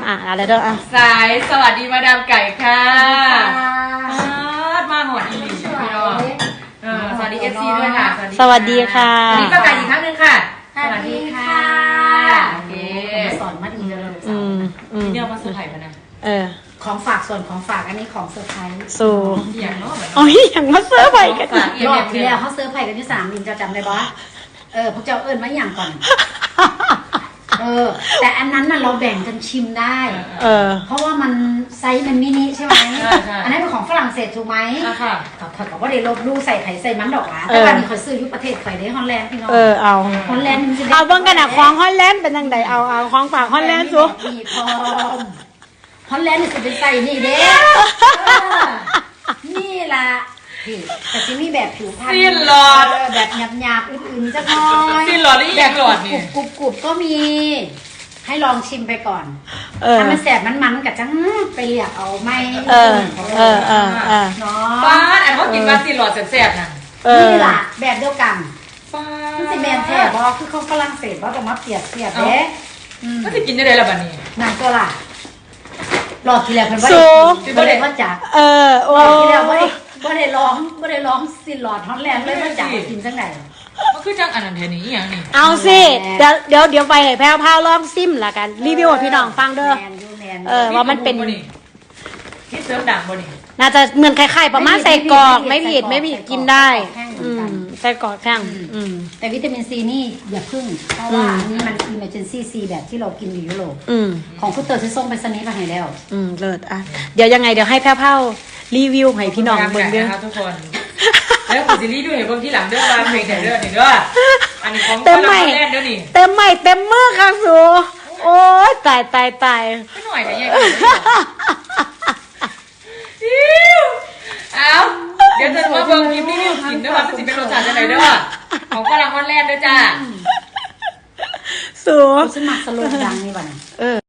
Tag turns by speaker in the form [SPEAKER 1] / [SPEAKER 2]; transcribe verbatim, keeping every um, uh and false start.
[SPEAKER 1] อ่ะอะไรเด้ออ่ะ
[SPEAKER 2] สายสวัสดีมาดามไก่ค่ะมาหอดอีหลีพี่น้องสวัสดีเอฟซีด้วยค่ะ
[SPEAKER 1] สวัสดีค่ะ
[SPEAKER 2] สวัสดีป้าไก่อีกครั้งหนึ่งค่ะ
[SPEAKER 3] สวัสดีค่ะ
[SPEAKER 2] โอเค
[SPEAKER 3] สอนมาดีเลย
[SPEAKER 1] อืมอืม
[SPEAKER 2] เนี่ยมาเซอร์ไพรส์มานะ
[SPEAKER 1] เออ
[SPEAKER 3] ของฝากส่วนของฝากอันนี้ของเซอร์ไพรส์
[SPEAKER 1] สู่
[SPEAKER 2] อย่างเนาะเหมือน
[SPEAKER 1] โอ้ยอย่างมาเซอร์ไพรส์กัน
[SPEAKER 3] รอบที่แล้วเขาเซอร์ไพรส์กันที่สนามบินจะจำได้ปะเออพวกเจ้าเอิญมาอย่างก่อนเออแต่อันนั้นน่ะเราแบ่งกันชิมได้
[SPEAKER 1] เออ
[SPEAKER 3] เพราะว่ามันไซส์มันมินิใช่ไหมอันนั้นเป็นของฝรั่งเศสถูกไหม
[SPEAKER 2] ค่ะ
[SPEAKER 3] เขาเขาก็ได้ลบลู่ใส่ไข่ใส่มันดอกอ่ะแต่วันนี้เขาซื้อยุประเทศไข่ได้ฮอลแลนด์พี่น้อง
[SPEAKER 1] เออเอา
[SPEAKER 3] ฮอลแลนด์มันจะ
[SPEAKER 1] เอาเบิ่งกันอ่ะของฮอลแลนด์เป็นยังไงเอาเอาของฝากฮอลแลนด์สู
[SPEAKER 3] มีพร้อมฮอลแลนด์นี่จะเป็นใส่นี่เด้นี่ล่ะพี่แต่ที่นี่แบบผิวพรรณ
[SPEAKER 2] สิ้นหลอด
[SPEAKER 3] แบบหยาบๆอื่นๆจักหน่อย
[SPEAKER 2] สิ้นหลอดนี่แบบหลอดนี่
[SPEAKER 3] กรุบๆก็มีให้ลองชิมไปก่อน
[SPEAKER 1] เออ
[SPEAKER 3] ถ้ามันแสบมันมันกับจังไปเรียกเอาไม่
[SPEAKER 1] เออเออเออเออ
[SPEAKER 3] เนาะ
[SPEAKER 2] ป้าอันเขากินมาสิ้นหลอดแสบๆนะ
[SPEAKER 3] นี่ล่ะแบบเดียวกัน
[SPEAKER 2] ป้า
[SPEAKER 3] มันสิแมนแท้บอคือเขาฝรั่งเศสว่าต้องมาเปรียบเทียบเด้
[SPEAKER 2] ก็จะกินได้เลยละบัดนี้
[SPEAKER 3] นั่นก็ล่ะรอบที่แล้วเพิ่นบ่ได้บ่ได้ว่าจัก
[SPEAKER 1] เออโอ้
[SPEAKER 3] รอบที่แล้วบ่ได้บ่ได้ร้องบ่ได้ร้องสิหลอดฮอลแลนด์เลยว่าจักกินจังได๋
[SPEAKER 2] มันคือจังอันนั้นแทนนี้อย่างนี้
[SPEAKER 1] เอาสิเดี๋ยวเดี๋ยวเดี๋ยวไปให้แพรวพาวลองซิมละกันรีวิวให้พี่น้องฟังเด้อเออว่ามันเป็น
[SPEAKER 2] ที่เสริมดังบ่นี่
[SPEAKER 1] น่าจะเหมือนคล้ายๆประมาณใส่กรอกไม่ผิดไม่ผิดกินได้อืมใส่กรอกแข้งอืม
[SPEAKER 3] แต่วิตามินซีนี่อย่าพึ่งเพราะว่าอันนี้มัน emergency ซีแบบที่เรากินอยู่ยุโรป
[SPEAKER 1] อืม
[SPEAKER 3] ของคุณเตอร์ที่ส่งไปสนิทมาให้แล้ว
[SPEAKER 1] อืมเลิศอ่ะเดี๋ยวยังไงเดี๋ยวให้แพรวพาวรีวิวให้พี่น้องเบิ่งเด้อ
[SPEAKER 2] ทุกคนแล้วคุณซีรีส์ด้วยเบิ่งที่หลังเด้อว่าเพลงไหนเด้อนี่เด้ออันนี้ของ
[SPEAKER 1] เต็มใหม่
[SPEAKER 2] เด้อนี่
[SPEAKER 1] เต็มใหม่เต็มมือค่ะสูโอ้ยตายตายตาย
[SPEAKER 2] ไม่หน่อยแต่ยังเอาเดี๋ยวจะมาเบิ่งคลิปรีวิวกินด้วยว่ามันสิเป็นรสชาติจังไดเด้อของฝรั่งฮอลแลนด์เด้อจ้า
[SPEAKER 1] สู
[SPEAKER 3] ฉันมักสโลว์ดังนี่บ่เนี่ย
[SPEAKER 1] เออ